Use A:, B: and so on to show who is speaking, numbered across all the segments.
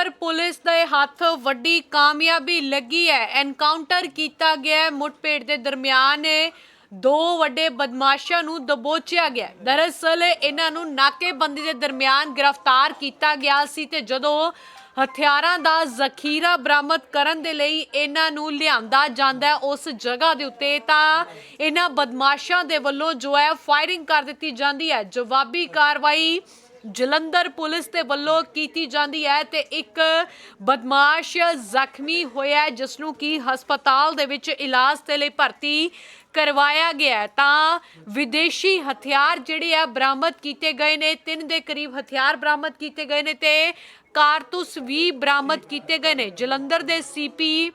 A: Jalandhar police ਦੇ ਹੱਥ ਵੱਡੀ ਕਾਮਯਾਬੀ ਲੱਗੀ ਹੈ। ਐਨਕਾਊਂਟਰ ਕੀਤਾ ਗਿਆ ਮੁੱਠਭੇੜ ਦੇ ਦਰਮਿਆਨ ਦੋ ਵੱਡੇ ਬਦਮਾਸ਼ਾਂ ਨੂੰ ਦਬੋਚਿਆ ਗਿਆ। ਦਰਅਸਲ ਇਹਨਾਂ ਨੂੰ ਨਾਕੇਬੰਦੀ ਦੇ ਦਰਮਿਆਨ ਗ੍ਰਿਫਤਾਰ ਕੀਤਾ ਗਿਆ ਸੀ ਤੇ ਜਦੋਂ ਹਥਿਆਰਾਂ ਦਾ ਜ਼ਖੀਰਾ ਬਰਾਮਦ ਕਰਨ ਦੇ ਲਈ ਇਹਨਾਂ ਨੂੰ ਲਿਆਂਦਾ ਜਾਂਦਾ ਉਸ ਜਗ੍ਹਾ ਦੇ ਉੱਤੇ ਤਾਂ ਇਹਨਾਂ ਬਦਮਾਸ਼ਾਂ ਦੇ ਵੱਲੋਂ ਜੋ ਹੈ ਫਾਇਰਿੰਗ ਕਰ ਦਿੱਤੀ ਜਾਂਦੀ ਹੈ। ਜਵਾਬੀ ਕਾਰਵਾਈ ਜਲੰਧਰ ਪੁਲਿਸ ਦੇ ਵੱਲੋਂ ਕੀਤੀ ਜਾਂਦੀ ਹੈ ਤੇ ਇੱਕ ਬਦਮਾਸ਼ ਜ਼ਖਮੀ ਹੋਇਆ ਜਿਸ ਨੂੰ ਕਿ ਹਸਪਤਾਲ ਦੇ ਵਿੱਚ ਇਲਾਜ ਦੇ ਲਈ ਭਰਤੀ ਕਰਵਾਇਆ ਗਿਆ। ਤਾਂ ਵਿਦੇਸ਼ੀ ਹਥਿਆਰ ਜਿਹੜੇ ਆ ਬਰਾਮਦ ਕੀਤੇ ਗਏ ਨੇ। 3 ਦੇ ਕਰੀਬ ਹਥਿਆਰ ਬਰਾਮਦ ਕੀਤੇ ਗਏ ਨੇ ਤੇ ਕਾਰਤੂਸ ਵੀ ਬਰਾਮਦ ਕੀਤੇ ਗਏ ਨੇ। ਜਲੰਧਰ ਦੇ ਸੀਪੀ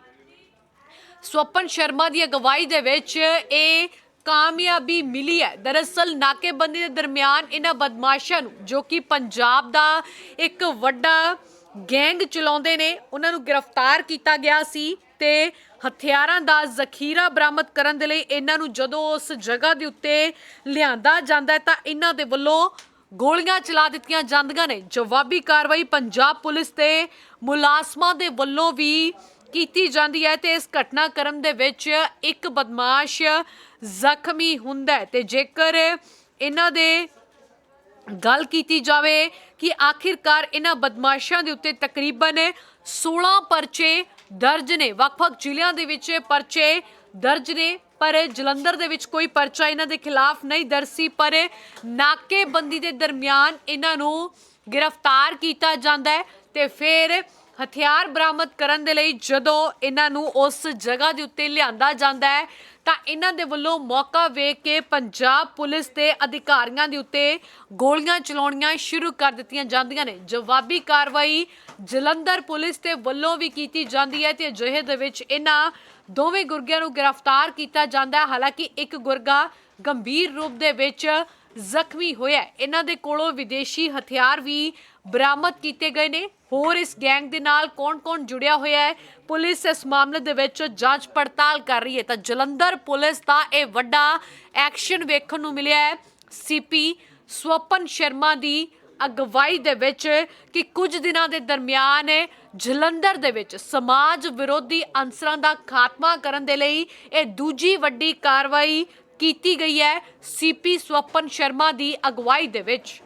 A: ਸਵਪਨ ਸ਼ਰਮਾ ਦੀ ਅਗਵਾਈ ਦੇ ਵਿੱਚ ਇਹ ਕਾਮਯਾਬੀ ਮਿਲੀ ਹੈ। ਦਰਅਸਲ ਨਾਕੇਬੰਦੀ ਦੇ ਦਰਮਿਆਨ ਇਹਨਾਂ ਬਦਮਾਸ਼ਾਂ ਨੂੰ ਜੋ ਕਿ ਪੰਜਾਬ ਦਾ ਇੱਕ ਵੱਡਾ ਗੈਂਗ ਚਲਾਉਂਦੇ ਨੇ ਉਹਨਾਂ ਨੂੰ ਗ੍ਰਿਫਤਾਰ ਕੀਤਾ ਗਿਆ ਸੀ ਤੇ ਹਥਿਆਰਾਂ ਦਾ ਜ਼ਖੀਰਾ ਬਰਾਮਦ ਕਰਨ ਦੇ ਲਈ ਇਹਨਾਂ ਨੂੰ ਜਦੋਂ ਉਸ ਜਗ੍ਹਾ ਦੇ ਉੱਤੇ ਲਿਆਂਦਾ ਜਾਂਦਾ ਹੈ ਤਾਂ ਇਹਨਾਂ ਦੇ ਵੱਲੋਂ ਗੋਲੀਆਂ ਚਲਾ ਦਿੱਤੀਆਂ ਜਾਂਦੀਆਂ ਨੇ। ਜਵਾਬੀ ਕਾਰਵਾਈ ਪੰਜਾਬ ਪੁਲਿਸ ਤੇ ਮੁਲਾਜ਼ਮਾਂ ਦੇ ਵੱਲੋਂ ਵੀ ਕੀਤੀ ਜਾਂਦੀ ਹੈ ਤੇ ਇਸ ਘਟਨਾਕ੍ਰਮ ਦੇ ਵਿੱਚ ਇੱਕ ਬਦਮਾਸ਼ ਜ਼ਖਮੀ ਹੁੰਦਾ ਹੈ। ਤੇ ਜੇਕਰ ਇਹਨਾਂ ਦੇ ਗੱਲ ਕੀਤੀ ਜਾਵੇ ਕਿ ਆਖਿਰਕਾਰ ਇਹਨਾਂ ਬਦਮਾਸ਼ਾਂ ਦੇ ਉੱਤੇ ਤਕਰੀਬਨ 16 ਪਰਚੇ ਦਰਜ ਨੇ। ਵੱਖ-ਵੱਖ ਜ਼ਿਲ੍ਹਿਆਂ ਦੇ ਵਿੱਚ ਪਰਚੇ ਦਰਜ ਨੇ ਪਰ ਜਲੰਧਰ ਦੇ ਵਿੱਚ ਕੋਈ ਪਰਚਾ ਇਹਨਾਂ ਦੇ ਖਿਲਾਫ ਨਹੀਂ ਦਰਜ ਸੀ। ਪਰ ਨਾਕੇਬੰਦੀ ਦੇ ਦਰਮਿਆਨ ਇਹਨਾਂ ਨੂੰ ਗ੍ਰਿਫਤਾਰ ਕੀਤਾ ਜਾਂਦਾ ਹੈ ਤੇ ਫਿਰ ਹਥਿਆਰ ਬਰਾਮਦ ਕਰਨ ਦੇ ਲਈ ਜਦੋਂ ਇਹਨਾਂ ਨੂੰ ਉਸ ਜਗ੍ਹਾ ਦੇ ਉੱਤੇ ਲਿਆਂਦਾ ਜਾਂਦਾ ਹੈ ਤਾਂ ਇਹਨਾਂ ਦੇ ਵੱਲੋਂ ਮੌਕਾ ਵੇਖ ਕੇ ਪੰਜਾਬ ਪੁਲਿਸ ਦੇ ਅਧਿਕਾਰੀਆਂ ਦੇ ਉੱਤੇ ਗੋਲੀਆਂ ਚਲਾਉਣੀਆਂ ਸ਼ੁਰੂ ਕਰ ਦਿੱਤੀਆਂ ਜਾਂਦੀਆਂ ਨੇ। ਜਵਾਬੀ ਕਾਰਵਾਈ ਜਲੰਧਰ ਪੁਲਿਸ ਦੇ ਵੱਲੋਂ ਵੀ ਕੀਤੀ ਜਾਂਦੀ ਹੈ ਤੇ ਅਜਿਹੇ ਦੇ ਵਿੱਚ ਇਹਨਾਂ ਦੋਵੇਂ ਗੁਰਗਿਆਂ ਨੂੰ ਗ੍ਰਿਫਤਾਰ ਕੀਤਾ ਜਾਂਦਾ ਹੈ। ਹਾਲਾਂਕਿ ਇੱਕ ਗੁਰਗਾ ਗੰਭੀਰ ਰੂਪ ਦੇ ਵਿੱਚ ਜ਼ਖਮੀ ਹੋਇਆ। ਇਹਨਾਂ ਦੇ ਕੋਲੋਂ ਵਿਦੇਸ਼ੀ ਹਥਿਆਰ ਵੀ ਬਰਾਮਦ ਕੀਤੇ ਗਏ ਨੇ। ਹੋਰ ਇਸ ਗੈਂਗ ਦੇ ਨਾਲ ਕੌਣ-ਕੌਣ ਜੁੜਿਆ ਹੋਇਆ ਹੈ ਪੁਲਿਸ ਇਸ ਮਾਮਲੇ ਦੇ ਵਿੱਚ ਜਾਂਚ ਪੜਤਾਲ ਕਰ ਰਹੀ ਹੈ। ਤਾਂ ਜਲੰਧਰ ਪੁਲਿਸ ਦਾ ਇਹ ਵੱਡਾ ਐਕਸ਼ਨ ਵੇਖਣ ਨੂੰ ਮਿਲਿਆ ਹੈ ਸੀਪੀ ਸਵਪਨ ਸ਼ਰਮਾ ਦੀ ਅਗਵਾਈ ਦੇ ਵਿੱਚ ਕਿ ਕੁਝ ਦਿਨਾਂ ਦੇ ਦਰਮਿਆਨ ਜਲੰਧਰ ਦੇ ਵਿੱਚ ਸਮਾਜ ਵਿਰੋਧੀ ਅਨਸਰਾਂ ਦਾ ਖਾਤਮਾ ਕਰਨ ਦੇ ਲਈ ਇਹ ਦੂਜੀ ਵੱਡੀ ਕਾਰਵਾਈ ਕੀਤੀ ਗਈ ਹੈ ਸੀਪੀ ਸਵਪਨ ਸ਼ਰਮਾ ਦੀ ਅਗਵਾਈ ਦੇ ਵਿੱਚ।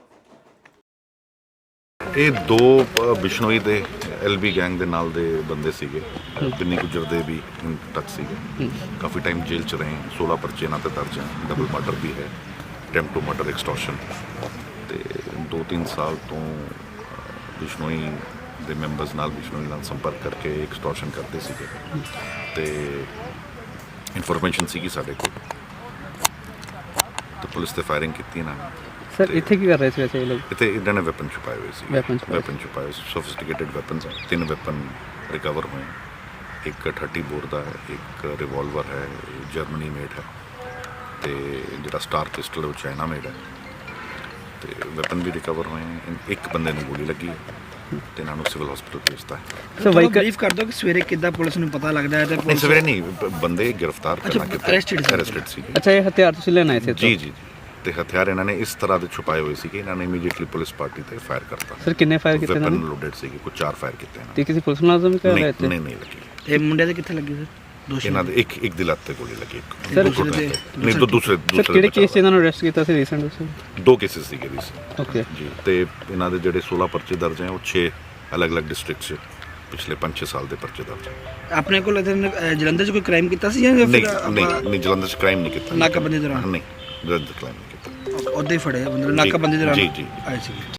B: ਇਹ ਦੋ ਬਿਸ਼ਨੋਈ ਦੇ ਐਲਬੀ ਗੈਂਗ ਦੇ ਨਾਲ ਦੇ ਬੰਦੇ ਸੀਗੇ। ਪਿੰਨੀ ਗੁੱਜਰ ਦੇ ਵੀ ਟੱਚ ਸੀਗੇ। ਕਾਫੀ ਟਾਈਮ ਜੇਲ੍ਹ 'ਚ ਰਹੇ। 16 ਪਰਚੇ ਇਹਨਾਂ 'ਤੇ ਦਰਜ ਹੈ। ਡਬਲ ਮਰਡਰ ਵੀ ਹੈ, ਅਟੈਂਪਟ ਟੂ ਮਰਡਰ, ਐਕਸਟੋਰਸ਼ਨ ਤੇ 2-3 ਸਾਲ ਤੋਂ ਬਿਸ਼ਨੋਈ ਦੇ ਮੈਂਬਰਸ ਨਾਲ ਬਿਸ਼ਨੋਈ ਨਾਲ ਸੰਪਰਕ ਕਰਕੇ ਐਕਸਟੋਰਸ਼ਨ ਕਰਦੇ ਸੀਗੇ ਤੇ ਇਨਫੋਰਮੇਸ਼ਨ ਸੀਗੀ ਸਾਡੇ ਕੋਲ ਤੇ ਪੁਲਿਸ ਤੇ ਫਾਇਰਿੰਗ ਕੀਤੀ ਇਹਨਾਂ ਨੇ।
C: ਸਰ ਇੱਥੇ ਕੀ ਕਰ ਰਹੇ ਸੀ ਵੈਸੇ ਇਹ ਲੋਕ?
B: ਇੱਥੇ ਇਹਨਾਂ ਨੇ ਵੈਪਨ ਛੁਪਾਏ ਹੋਏ ਸੀ। ਵੈਪਨ ਛੁਪਾਏ ਸੋਫਿਸਟੀਕੇਟਡ ਵੈਪਨਸ। 3 ਵੈਪਨ ਰਿਕਵਰ ਹੋਏ। ਇੱਕ 30 ਬੋਰ ਦਾ ਹੈ, ਇੱਕ ਰਿਵਾਲਵਰ ਹੈ, ਜਰਮਨੀ ਮੇਡ ਹੈ ਤੇ ਜਿਹੜਾ ਸਟਾਰ ਪਿਸਟਲ ਉਹ ਚਾਈਨਾ ਮੇਡ ਹੈ ਤੇ ਵੈਪਨ ਵੀ ਰਿਕਵਰ ਹੋਏ। ਇੱਕ ਬੰਦੇ ਨੂੰ ਗੋਲੀ ਲੱਗੀ ਤੇ ਇਹਨਾਂ ਨੂੰ ਸਿਵਲ ਹਸਪੀਟਲ ਭੇਜਤਾ ਹੈ।
C: ਸਰ
D: ਬਰੀਫ ਕਰ ਦੋ ਕਿ ਸਵੇਰੇ ਕਿੱਦਾਂ ਪੁਲਿਸ ਨੂੰ ਪਤਾ ਲੱਗਦਾ ਹੈ?
B: ਨਹੀਂ ਸਵੇਰੇ ਨਹੀਂ, ਬੰਦੇ ਗ੍ਰਿਫਤਾਰ ਕਰਨਾ ਕਿਤੇ ਅਰੈਸਟਡ ਸੀਗੇ।
C: ਅੱਛਾ, ਇਹ ਹਥਿਆਰ ਤੁਸੀਂ ਲੈਣ ਆਏ ਸੀ?
B: ਜੀ ਜੀ। ਤੇ ਹਥਿਆਰ ਇਹਨਾਂ ਨੇ ਇਸ ਤਰ੍ਹਾਂ ਦੇ ਛੁਪਾਏ ਹੋਏ ਸੀ ਕਿ ਇਹਨਾਂ ਨੇ ਇਮੀਡੀਏਟਲੀ ਪੁਲਿਸ ਪਾਰਟੀ ਤੇ ਫਾਇਰ ਕਰਤਾ।
C: ਸਰ ਕਿੰਨੇ ਫਾਇਰ ਕੀਤੇ ਇਹਨਾਂ ਨੇ?
B: ਵੈਪਨ ਲੋਡਡ ਸੀਗੇ, ਕੁਝ 4 ਫਾਇਰ ਕੀਤੇ ਇਹਨਾਂ
C: ਤੇ ਕਿਸੇ ਪੁਲਿਸ ਮੁਲਾਜ਼ਮ ਕਰ ਰਹੇ
B: ਨੇ? ਨਹੀਂ ਲੱਗੀ।
D: ਇਹ ਮੁੰਡੇ ਦੇ ਕਿੱਥੇ ਲੱਗੀ ਸਰ? ਦੋਸ਼ੀ
B: ਇਹਨਾਂ ਦੇ ਇੱਕ ਦੀ ਲੱਤ ਤੇ ਗੋਲੀ ਲੱਗੀ।
C: ਸਰ
B: ਨਹੀਂ ਤਾਂ ਦੂਸਰੇ
C: ਸਰ ਕਿਹੜੇ ਕੇਸ 'ਚ ਇਹਨਾਂ ਨੂੰ ਅਰੈਸਟ ਕੀਤਾ ਸੀ ਰੀਸੈਂਟ ਵਿੱਚ?
B: 2 ਕੇਸਿਸ ਸੀਗੇ ਰੀਸੈਂਟ।
C: ਓਕੇ
B: ਜੀ। ਤੇ ਇਹਨਾਂ ਦੇ ਜਿਹੜੇ 16 ਪਰਚੇ ਦਰਜ ਹੈ ਉਹ 6 ਅਲੱਗ-ਅਲੱਗ ਡਿਸਟ੍ਰਿਕਟ 'ਚ ਪਿਛਲੇ 5-6 ਸਾਲ ਦੇ ਪਰਚੇ ਦਰਜ ਹੈ।
D: ਆਪਣੇ ਕੋਲ ਜਲੰਧਰ 'ਚ ਕੋਈ ਕ੍ਰਾਈਮ ਕੀਤਾ ਸੀ ਜਾਂ
B: ਨਹੀਂ ਜਲੰਧਰ 'ਚ ਕ੍ਰਾਈਮ ਨਹੀਂ ਕੀਤਾ।
D: ਨਾਕਾਬੰਦੀ ਦੌਰਾਨ?
B: ਨਹੀਂ ਜਲੰਧਰ ਕ੍ਰਾਈਮ ਨਹੀਂ ਕੀਤਾ।
D: ਉੱਦਾਂ ਹੀ ਫੜਿਆ ਬੰਦੇ ਨਾਕਾਬੰਦੀ ਦੌਰਾਨ?
B: ਜੀ ਜੀ
D: ਆਏ ਸੀ।